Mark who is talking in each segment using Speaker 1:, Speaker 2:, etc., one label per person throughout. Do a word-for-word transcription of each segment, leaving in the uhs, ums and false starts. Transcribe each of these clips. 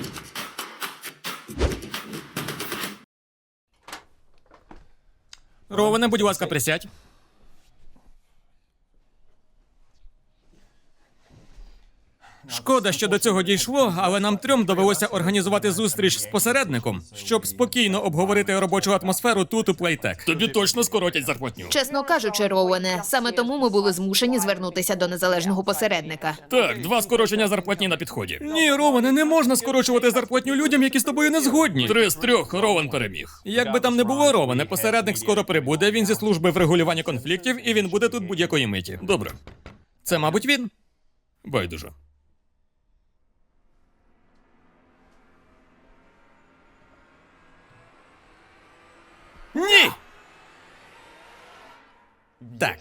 Speaker 1: Роване, будь ласка, присядь. Шкода, що до цього дійшло, але нам трьом довелося організувати зустріч з посередником, щоб спокійно обговорити робочу атмосферу тут, у Playtech.
Speaker 2: Тобі точно скоротять зарплатню.
Speaker 3: Чесно кажучи, Роуене, саме тому ми були змушені звернутися до незалежного посередника.
Speaker 2: Так, два скорочення зарплатні на підході.
Speaker 1: Ні, Роване, не можна скорочувати зарплатню людям, які з тобою не згодні.
Speaker 2: Три з трьох Рован переміг.
Speaker 1: Як би там не було, Роване, посередник скоро прибуде, він зі служби врегулювання конфліктів, і він буде тут будь-якої миті.
Speaker 2: Добре,
Speaker 1: Це, мабуть, він.
Speaker 2: байдуже.
Speaker 1: Ні! Так.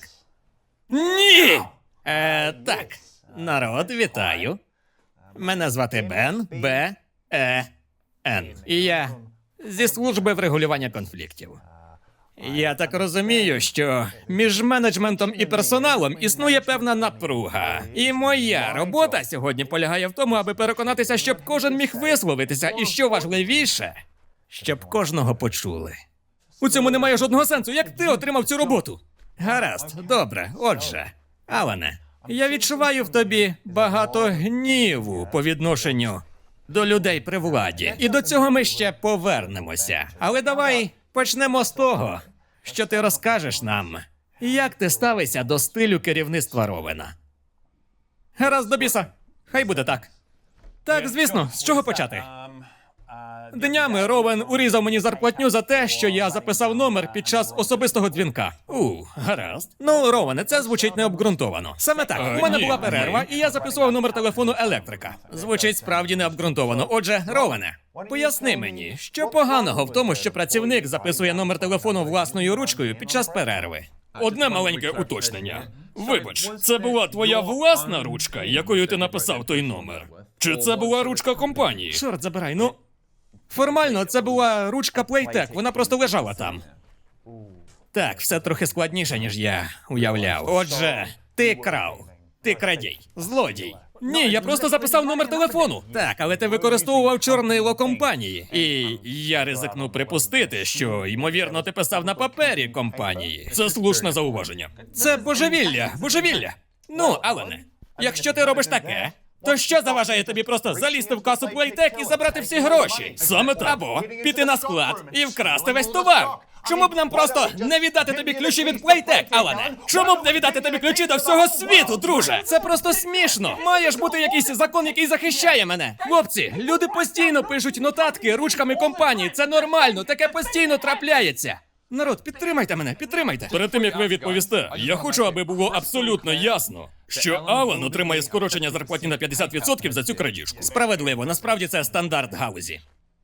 Speaker 1: Ні! Е, так. Народ, вітаю. Мене звати Бен. Б. Е. Н. І я зі служби врегулювання конфліктів. Я так розумію, що між менеджментом і персоналом існує певна напруга. І моя робота сьогодні полягає в тому, аби переконатися, щоб кожен міг висловитися, і що важливіше, щоб кожного почули. У цьому немає жодного сенсу. Як ти отримав цю роботу? Гаразд, добре. Отже, Алане, я відчуваю в тобі багато гніву по відношенню до людей при владі. І до цього ми ще повернемося. Але давай почнемо з того, що ти розкажеш нам, як ти ставишся до стилю керівництва Ровена. Гаразд, до біса. Хай буде так. Так, звісно, з чого почати? Днями Ровен урізав мені зарплатню за те, що я записав номер під час особистого дзвінка. У, гаразд. Ну, Ровене, це звучить необґрунтовано. Саме так,
Speaker 2: Е,
Speaker 1: у мене
Speaker 2: ні,
Speaker 1: була перерва, і я записував номер телефону електрика. Звучить справді необґрунтовано. Отже, Ровене, поясни мені, що поганого в тому, що працівник записує номер телефону власною ручкою під час перерви?
Speaker 2: Одне маленьке уточнення. Вибач, це була твоя власна ручка, якою ти написав той номер? Чи це була ручка компанії?
Speaker 1: Чорт забирай, ну... Формально, це була ручка Playtech, вона просто лежала там. Так, все трохи складніше, ніж я уявляв. Отже, ти крав. Ти крадій. Злодій. Ні, я просто записав номер телефону. Так, але ти використовував чорнило компанії. І я ризикну припустити, що, ймовірно, ти писав на папері компанії.
Speaker 2: Це слушне зауваження.
Speaker 1: Це божевілля, божевілля. Ну, Алене, якщо ти робиш таке, то що заважає тобі просто залізти в касу Playtech і забрати всі гроші?
Speaker 2: Саме так.
Speaker 1: Або піти на склад і вкрасти весь товар. Чому б нам просто не віддати тобі ключі від Playtech, Алане? Чому б не віддати тобі ключі до всього світу, друже? Це просто смішно. Має ж бути якийсь закон, який захищає мене. Хлопці, люди постійно пишуть нотатки ручками компанії. Це нормально, таке постійно трапляється. Народ, підтримайте мене, підтримайте.
Speaker 2: Перед тим, як ви відповісте, я хочу, аби було абсолютно ясно, що Алан отримає скорочення зарплатні на п'ятдесят відсотків за цю крадіжку.
Speaker 1: Справедливо, насправді це стандарт галузі.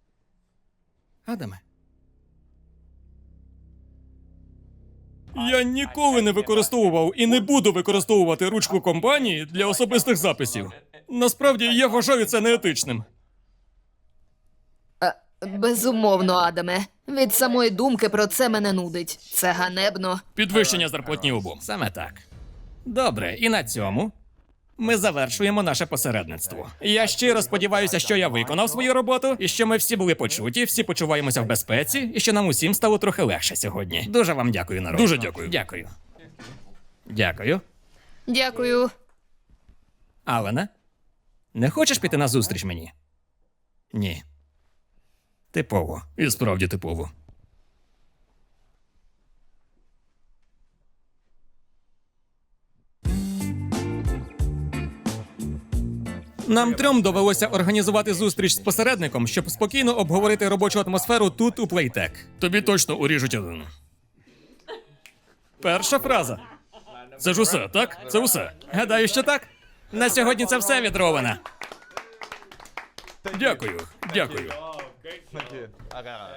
Speaker 1: Адаме.
Speaker 2: Я ніколи не використовував і не буду використовувати ручку компанії для особистих записів. Насправді, я вважаю це неетичним.
Speaker 3: Безумовно, Адаме. Від самої думки про це мене нудить. Це ганебно.
Speaker 2: Підвищення зарплатні обом.
Speaker 1: Саме так. Добре, і на цьому ми завершуємо наше посередництво. Я щиро сподіваюся, що я виконав свою роботу, і що ми всі були почуті, всі почуваємося в безпеці, і що нам усім стало трохи легше сьогодні. Дуже вам дякую, народ.
Speaker 2: Дуже дякую.
Speaker 1: Дякую. Дякую.
Speaker 3: Дякую.
Speaker 1: Алане, не хочеш піти на зустріч мені? Ні. Типово.
Speaker 2: І справді типово.
Speaker 1: Нам трьом довелося організувати зустріч з посередником, щоб спокійно обговорити робочу атмосферу тут, у Playtech.
Speaker 2: Тобі точно уріжуть один.
Speaker 1: Перша фраза.
Speaker 2: Це ж усе, так? Це усе.
Speaker 1: Гадаю, що так. На сьогодні це все від Ровена.
Speaker 2: Дякую, дякую.